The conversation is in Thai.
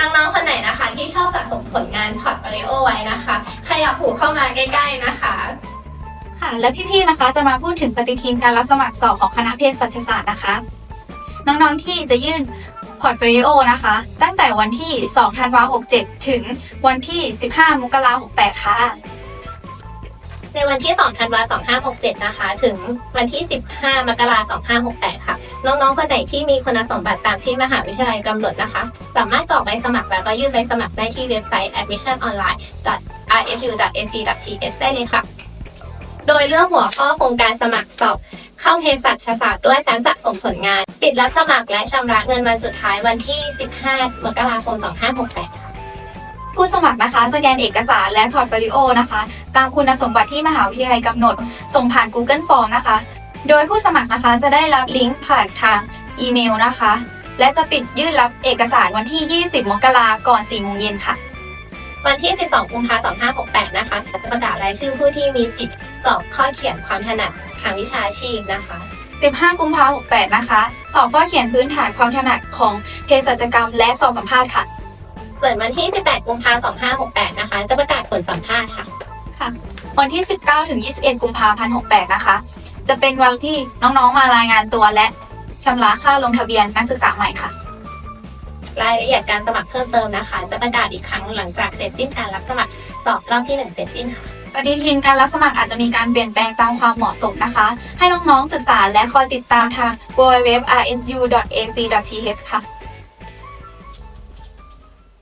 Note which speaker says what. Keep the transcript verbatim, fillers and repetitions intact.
Speaker 1: น้องๆคนไหนนะคะที่ชอบสะสมผลงานพอร์ตโฟลิโอไว้นะคะขยับหูเข้ามาใกล้ๆนะคะ
Speaker 2: ค่ะและพี่ๆนะคะจะมาพูดถึงปฏิทินการรับสมัครสอบของคณะเภสัชศาสตร์นะคะน้องๆที่จะยื่นพอร์ตโฟลิโอนะคะตั้งแต่วันที่สองธันวาคมหกเจ็ดถึงวันที่สิบห้ามกราคมหกแปดค่ะ
Speaker 1: ในวันที่สองธันวาคมสองห้าหกเจ็ดนะคะถึงวันที่สิบห้ามกราคมสองห้าหกแปดค่ะน้องๆคนไหนที่มีคุณสมบัติตามที่มหาวิทยาลัยกำหนดนะคะสามารถกรอกใบสมัครแล้วก็ยื่นใบสมัครได้ที่เว็บไซต์ แอดมิชชั่นออนไลน์ ดอท อาร์ เอส ยู ดอท เอ ซี ดอท ที เอช ได้เลยค่ะโดยเลือกหัวข้อโครงการสมัครสอบเข้าเภสัชศาสตร์ด้วยการสะสมผลงานปิดรับสมัครและชำระเงินวันสุดท้ายวันที่สิบห้ามกราคมสองห้าหกแปดค่ะ
Speaker 2: ผู้สมัครนะคะสแกนเอกสารและพอร์ตโฟลิโอนะคะตามคุณสมบัติที่มหาวิทยาลัยกำหนดส่งผ่าน Google Form นะคะโดยผู้สมัครนะคะจะได้รับลิงก์ผ่านทางอีเมลนะคะและจะปิดยื่นรับเอกสารวันที่ยี่สิบมกราคมก่อนสี่โมงเย็นค่ะ
Speaker 1: วันที่สิบสองกุมภาพันธ์สองห้าหกแปดนะคะจะประกาศรายชื่อผู้ที่มีสิทธิ์สอบข้อเขียนความถนัดทางวิชาชีพนะคะ
Speaker 2: สิบห้ากุมภาพันธ์หกแปดนะคะสอบข้อเขียนพื้นฐานความถนัดของเภสัชกรรมและสอบสัมภาษณ์ค่ะ
Speaker 1: ส่วนวันที่สิบแปดกุมภาพันธ์สองห้าหกแปดนะคะจะประกาศผลสัมภาษณ์ค่ะ
Speaker 2: ค่ะวันที่สิบเก้าถึงยี่สิบเอ็ดกุมภาพันธ์หกแปดนะคะจะเป็นวันที่น้องๆมารายงานตัวและชำระค่าลงทะเบียนนักศึกษาใหม่ค่ะ
Speaker 1: รายละเอียดการสมัครเพิ่มเติมนะคะจะประกาศอีกครั้งหลังจากเสร็จสิ้นการรับสมัครสอบรอบที่หนึ่งเสร็จสิ้นค่ะ
Speaker 2: ปฏิทินการรับสมัครอาจจะมีการเปลี่ยนแปลงตามความเหมาะสมนะคะให้น้องๆศึกษาและคอยติดตามทาง ดับเบิลยู ดับเบิลยู ดับเบิลยู ดอท อาร์ เอส ยู ดอท เอ ซี ดอท ที เอช ค่ะ